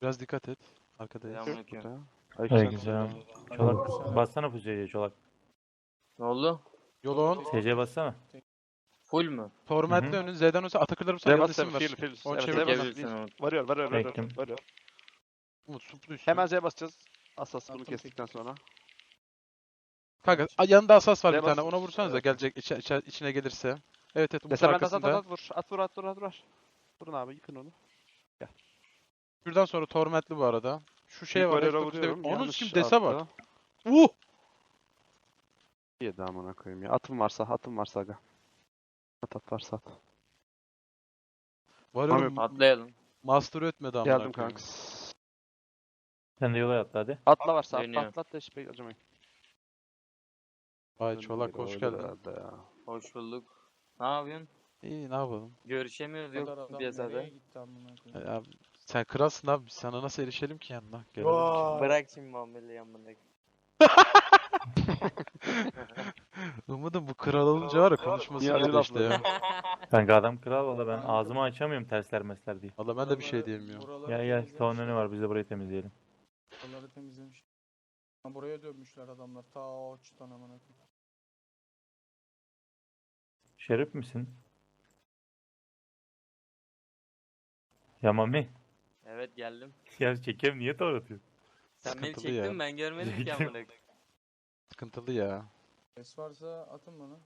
Biraz dikkat et. Arkadayız. Selamünaleyküm. Aleykümselam. Çolak Aleykümselam. bassana Fuze'ye Çolak. Ne oldu? Yolun. SC bassana. Full mü? Torment'le Hı önün. Z'den olsa Atakırlar olsa Z'ye yol bas isim var. Fil. Onu Evet, çevir Z'ye bana. bas. Çevirsin onu. Varıyor. Bektim. Umut suplu üstü. Hemen Z'ye basacağız. Asas bunu Attım kestikten sonra. Kanka yanında asas var bir Z'ye tane. bas. Ona vursanız da Evet. gelecek içine gelirse. Evet Umut Desem ben arkasında. at vur. At vur. Vurun abi yıkın onu. Şuradan sonra Torment'li bu arada. Şu şey Büyük var. varyoya F9'da vuruyorum. Onun Yanlış kim dese bak. attı. Uh! Yedi amına koyayım ya. Atım varsa aga. At varsa at. Varıyorum. Atlayalım. Master ötmedi amına Geldim koyayım. kanks. Sen de yola atla hadi. Atla varsa Dönüyor. atla da hiç acımayın. Vay Çolak hoş Öyle geldin. herhalde ya. Hoş bulduk. Ne yapıyorsun? İyi ne yapalım. Görüşemiyoruz Bu kadar yok adam piyasada. nereye gitti amına koyayım? Abi, sen kralsın abi. Biz sana nasıl erişelim ki yanına? Gelelim ki. Bırak şimdi muameleyi yanına. Umudum bu kral olunca var ya konuşması Niye acı iyiydi işte ya. Kanka adam kral valla ben ağzımı açamıyorum tersler mesler diye. Valla ben de bir şey diyemiyorum. Buraları Gel temizlemiş. salon önü var biz de burayı temizleyelim. Buraları temizlemiş. Ha, buraya dönmüşler adamlar. Ta o açıdan amına koyayım. Şerif misin? Ya Mami. Evet geldim. Ya çekem niye doğratıyor? Sen beni Sıkıntılı çektin ya. ben görmedim ki Çektim. amına koyayım. Sıkıntılı ya. Ses varsa atın bana.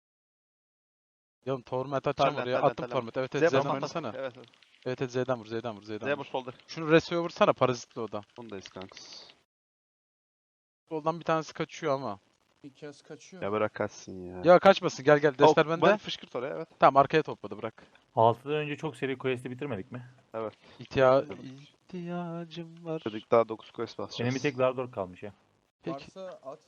Ya oğlum Torment atacağım Talent, oraya. talent, Attım talent. Torment. Evet Z'ye Z'den bas, oynasana. Evet. Evet Z'den vur Z'den vur Z'den Z'ye vur. vur solda. Şunu Reso'ya vursana parazitli o da. Bundayız kanks. Soldan bir tanesi kaçıyor ama. Bir kez kaçıyor. Ya bırak kaçsın ya. Ya kaçmasın gel gel destler Bak, bende. fışkırt oraya evet. Tamam arkaya topladı bırak. 6'dan önce çok seri quest'i bitirmedik mi? İhtiyacım var. Dedik daha 9 quest basacağız. Benim bir tek Lardor kalmış ya. Peki. Varsa at.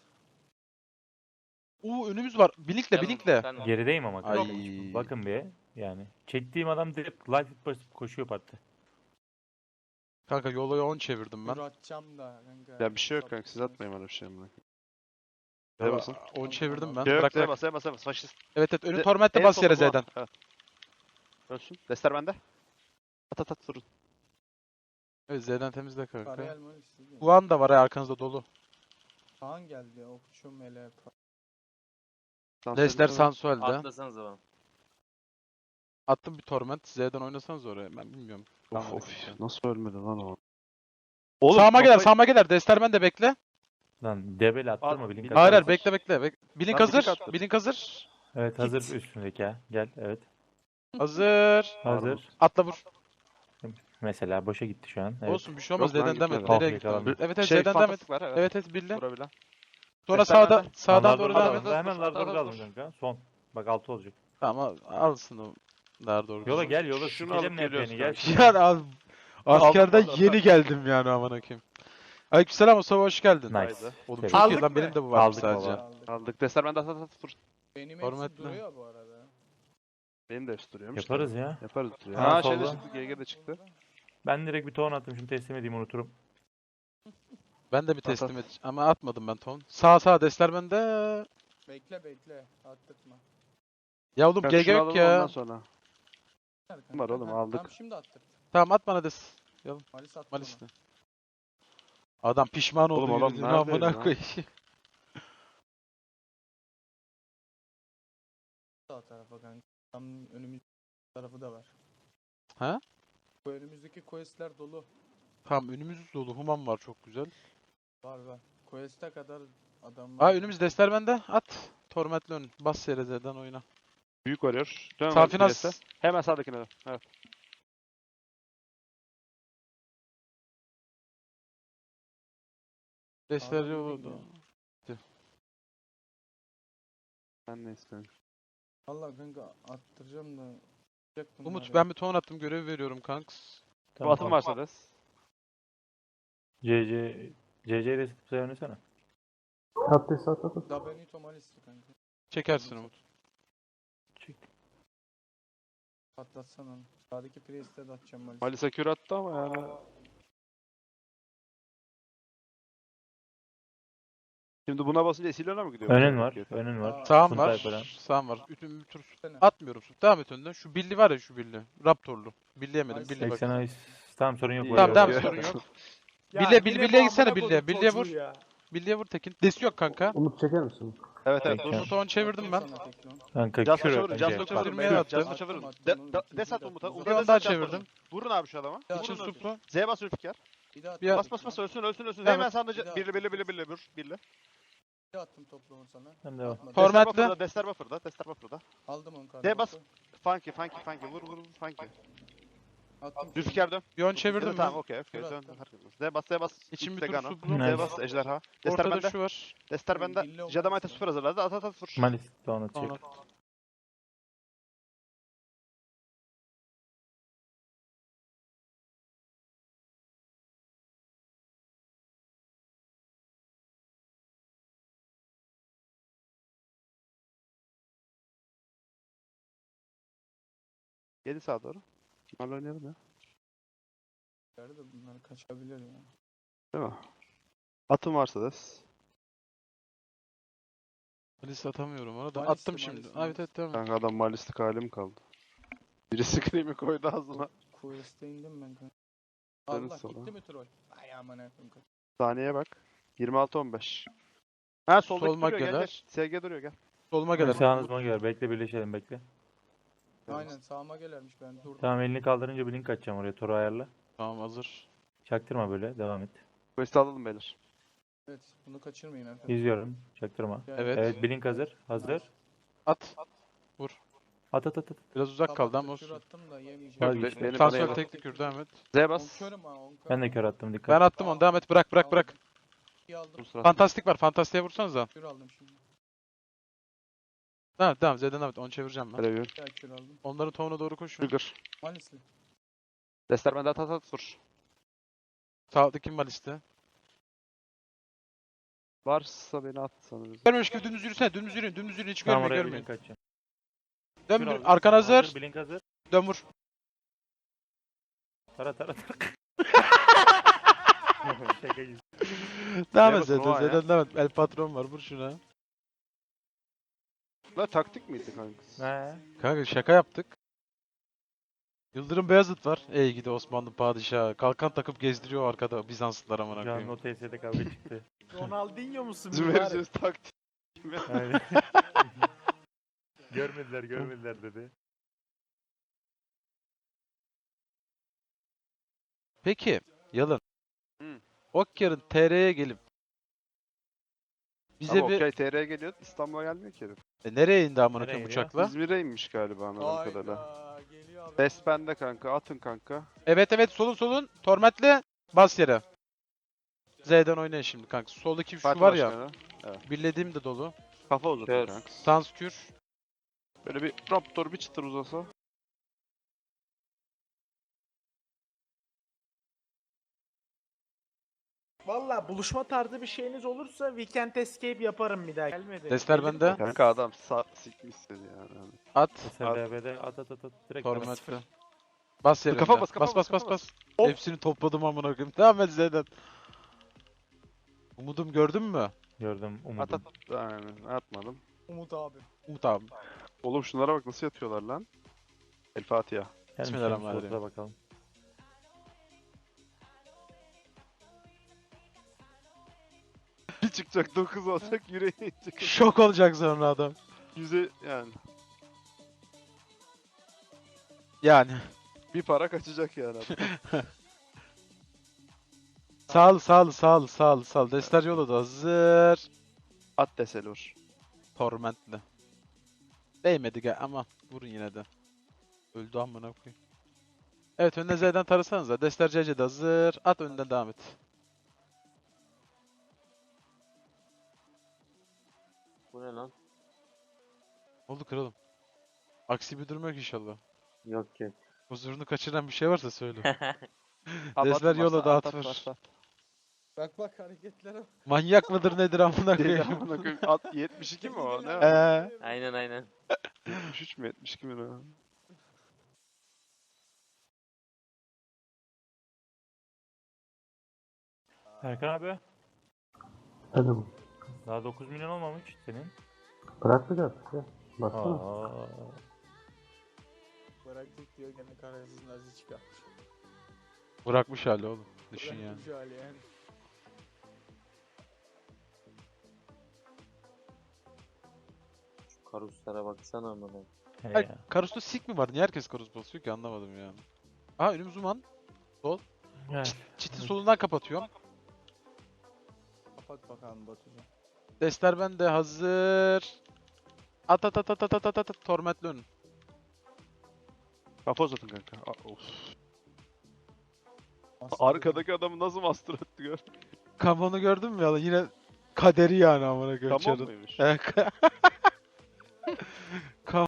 Önümüz var. Blinkle Tamam, blinkle. sen- Gerideyim ama. Ay. kanka. Bakın bir yani. Çektiğim adam direkt light basıp koşuyor parti. Kanka yolu 10 çevirdim ben. Dur atacağım da kanka. Ya bir şey yok kanka siz atmayın öyle bir şey amına. Z'ye Valla basın. 10 çevirdim ben. Şey yok Bırak Z'ye bırak. bas. Faşist. Evet önü De- Torment'te en bas solda yere bu var. Z'den. Evet. Ölsün. Destler bende. At vurun. Evet Z'den temizle kanka. Karayel mi istedi? Guan da var ya arkanızda dolu. Kaan geldi. Okçu mele. Destler Sansuel'de. Atlasanıza bana. Attım bir Torment. Z'den oynasanız oraya. Ben bilmiyorum. Of nasıl ölmedi lan o? Sağıma gelir sağıma gelir. Destler ben de bekle. Lan debel attırma Al, bilin Hayır, Hayır hayır hazır. bekle. Blink Ben blink hazır. attım. Blink hazır. Evet hazır üstündeki ha. Gel evet. Hazır. Hazır. Atla vur. Mesela boşa gitti şu an. Evet. Olsun bir şey olmaz. Yok lan, Z'den demet. gitmedi. Nereye Oh, gitti? yakalandı. Evet evet Şey Z'den demet. fantastik var evet. Evet evet bildi. Vurabilen. Sonra Destler sağda bende. sağdan Lardor doğru da devam alın. et. Hemen Dur, Lardor'u dur, alın dur. kanka. Son. Bak 6 olacak. Tamam alsın o. Daha doğru. Yola gel yola. Şunu Sikelim alıp geliyoruz NP'ni gel. kanka. Yani askerden Aldım. yeni geldim yani aman akıyım. Aleykümselam Mustafa hoş geldin. Nice. Oğlum Tebrik. çok iyi Aldık lan mı? benim de bu var Aldık sadece. baba. Aldık. Aldık. Destler bende at vur. Benim Format hepsi ne? duruyor bu arada. Benim de hepsi duruyormuş. Yaparız ya. Yaparız duruyor. Ha, Ha şey de solda. çıktı. GG de çıktı. Ben direkt bir ton attım. Şimdi teslim edeyim unuturum. Ben de bir At, teslim at. et ama atmadım ben ton. Sağ destler bende. Bekle. Attırtma. Ya oğlum Kanka GG şunu yok alalım ya. ondan sonra. Var oğlum, aldık. Tamam şimdi attır. Tamam at bana des. Malis attı Malis'te. Adam pişman oldu Oğlum, adam yürüdüğüne neredeyiz amına lan? koyayım. Sağ tarafa kanka. Tam önümüz tarafı da var. Ha? Bu önümüzdeki questler dolu. Tamam önümüz dolu. Human var çok güzel. Var. Quest'e kadar adam var. Aa önümüz destler bende. At. Torment'le ön. Bas yere Z'den oyna. Büyük varıyor. Dön Safinas. Hemen sağdakine dön. Evet. Destler Adam yok. bilmiyor. Ben ne istiyorum? Valla kanka attıracağım da. Yapacaktım Umut bari. ben bir ton attım görev veriyorum kanks. Bu atım varsa des. CC resit bize oynasana. Da Benito Malis'ti kanka. Çekersin Umut. Patlatsan onu. Sağdaki Priest'e de atacağım Malis'i. Malisa kür attı ama yani. Şimdi buna basınca Esilion'a mı gidiyor? Önün var. Önün var. Aa, Sağım Suntay var. falan. Sağım var. Bütün bir tur Sene. atmıyorum. Devam et önden. Şu Billy var ya şu Billy. Raptorlu. Billy yemedim. Nice. Billy bak. 80 ay Tamam sorun yok. Tamam tamam Yok. sorun yok. Ya Birliğe yine birliğe bu gitsene amına birliğe. koydum Birliğe çocuğu vur. ya. Birliğe vur Tekin. Desi yok kanka. Umut çeker misin? Evet evet. Peki. Dur. Umut'u 10 çevirdim ben. Sana tekli on. Kanka Just kür çevirin. önce. Just Bak. çevirin. Çevirmeye beyler, attım. Just çevirin. Attım, De- onu de- ikinci Des at de Umut'a. attım. Umut'a Bir des an daha at, just çevirdim. vurun. Vurun abi şu adama. Bir daha İçin attım. suplu. Z bas Ülfikar. Bir daha Bir attım. Bas bas bas ölsün ölsün ölsün. Evet. Hemen sandıcı. Bir daha. Birli. Bir daha attım toplamı sana. Ben de o. Atmadım. Torment. Dester buffer'da. Dester buffer'da. Aldım onu D bas. kardeşim. Funky. Vur. Funky. Attım. Zülfikar dön. Bir 10 çevirdim Tamam ben. okey. Dur Dön. attım. Z bas. İçin bir İlk tur Vegano. suplu. Nice. Z bas Ejderha. Dester Ortada bende. şu var. Dester bende. Billi olmaz Jadamite ya. süper hazırladı. At vur. Malis de onu Tamam. çek. Geri sağa doğru. Bunlarla oynayalım ya. De bunlar kaçabilir ya. Değil mi? Atın varsa des. Liste atamıyorum ona da. Malisli, Attım şimdi. Malisli, Evet evet tamam. Kanka adam malistik halim kaldı. Biri scream'i koydu ağzına. Quest'e indim ben kanka. Dönün Allah sola. gitti mi troll? Ay aman efendim. Saniye bak. 26-15. Ha soldaki Solmak duruyor gel gelir. SG duruyor gel. Soluma gelir. Sağınızıma gör. Bekle birleşelim bekle. Aynen sağıma gelermiş ben durdum. Tamam elini kaldırınca bir link açacağım oraya. Toru ayarla. Tamam hazır. Çaktırma böyle. Devam et. Quest'i alalım beyler. Evet bunu kaçırmayın efendim. İzliyorum. Çaktırma. Evet. Evet bir link hazır. Hazır. At. At. Biraz uzak kaldı ama Kür olsun. attım da yemeyeceğim. Bak, Benim bana Transfer yemin. teknik kür devam et. Z On bas. körüm ha on körüm. Ben de kör attım dikkat. Ben attım onu devam et. Bırak. İyi aldım. Bu sırada. Fantastik var. Fantastiğe vursanız da. Kür aldım şimdi. Tamam Z'den devam et. Onu çevireceğim ben. Review. Bir daha kür aldım. Onların tohumuna doğru koşun. Trigger. Malisli. Dester bende at vur. Sağlıklı kim var liste? Varsa beni at sanırız. Görmemiş gibi dümdüz yürüsene. Dümdüz yürüyün. Hiç Tamam görmeyin oraya bir görmeyin. link açacağım. Dön Kür bir. aldım. Arkan hazır. Bir link hazır. Dön vur. Tara. Şaka gibi. Devam Neye et bakın o an ya? Z'den devam et. El patron var. Vur şuna. La taktik miydi kanka? He. Kanka şaka yaptık. Yıldırım Beyazıt var. Ey gidi Osmanlı padişahı. Kalkan takıp gezdiriyor arkada Bizanslılar amına Şu an koyayım. o TS'de kavga çıktı. Ronaldinho musun? Bizim mübarek? vereceğiz taktik. Aynen. Görmediler dedi. Peki Yalın. Hı. Okyar'ın TR'ye gelip bize Ama bir okay TR'ye geliyor. İstanbul'a gelmiyor ki herif. Nereye indi amına Nereye koyayım gidiyor? uçakla? İzmir'e inmiş galiba anladığım kadarıyla. Hayda geliyor abi. Des bende kanka. Atın kanka. Evet solun. Torment'le bas yere. Z'den oynayın şimdi kanka. Soldaki şu Fatih var ya. Başkanı. Birlediğim de dolu. Kafa uzatıyor Kör. kanka. Sans kür. Böyle bir raptor bir çıtır uzasa. Valla buluşma tarzı bir şeyiniz olursa Weekend Escape yaparım bir daha. Gelmedi. Destler Gelir bende. mi? Kanka adam sikmiş seni yani. At. SBB'de at. Direkt Torment'le. Bas yere. Kafa önde. bas, kafa Bas. bas. Hepsini topladım amına koyayım. Devam et Z'den. Umudum gördün mü? gördüm At umudum. at. Aynen atmadım. Umut abi. Umut abi. Oğlum şunlara bak nasıl yatıyorlar lan. El Fatiha. Gelmiş Bismillahirrahmanirrahim. slotuna bakalım. Bir çıkacak 9 olacak yüreğe inecek. Şok olacak sonra adam. Yüze yani. Yani. Bir para kaçacak yani adam. Sağ ol. Destler yolladı. Hazır. At deseli vur. Torment'le. Değmedi gel ama vurun yine de. Öldü amına koyayım. Evet önüne Z'den tarasanıza. Destler CC'de hazır. At önden devam et. Bu ne lan? Oldu kralım. Aksi bir durum yok inşallah. Yok ki. Huzurunu kaçıran bir şey varsa söyle. At, Desler at, yola at, da at, at at, vur. at. Bak hareketlere. Manyak mıdır nedir amına Deli koyayım. amına koyayım. At 72 mi o? Ne? o? Aynen. 73 mü 72 mi o? Erkan abi. Hadi Daha 9 milyon olmamış senin. bırakmayacağız ya. Baksana. Aa. Bıraktık diyor gene kararsız nazi çıkarmış. Bırakmış hali oğlum. Düşün yani. Bırakmış hali yani. Şu karuslara baksana amına. He Ay, ya. Karus'ta sik mi var? Niye herkes Karus basıyor ki anlamadım yani. Aha önümüz Uman. Gel. Çitin solundan kapatıyorum. Kapat bakalım Batucuğum. Destler bende hazır. At at at at at at at at. Tormentli önün. Kafa uzatın kanka. Of. Master Arkadaki adamı nasıl master etti gör. Kamon'u gördün mü ya? Yine kaderi yani amına koyayım. Tamam çarın. mıymış? Evet.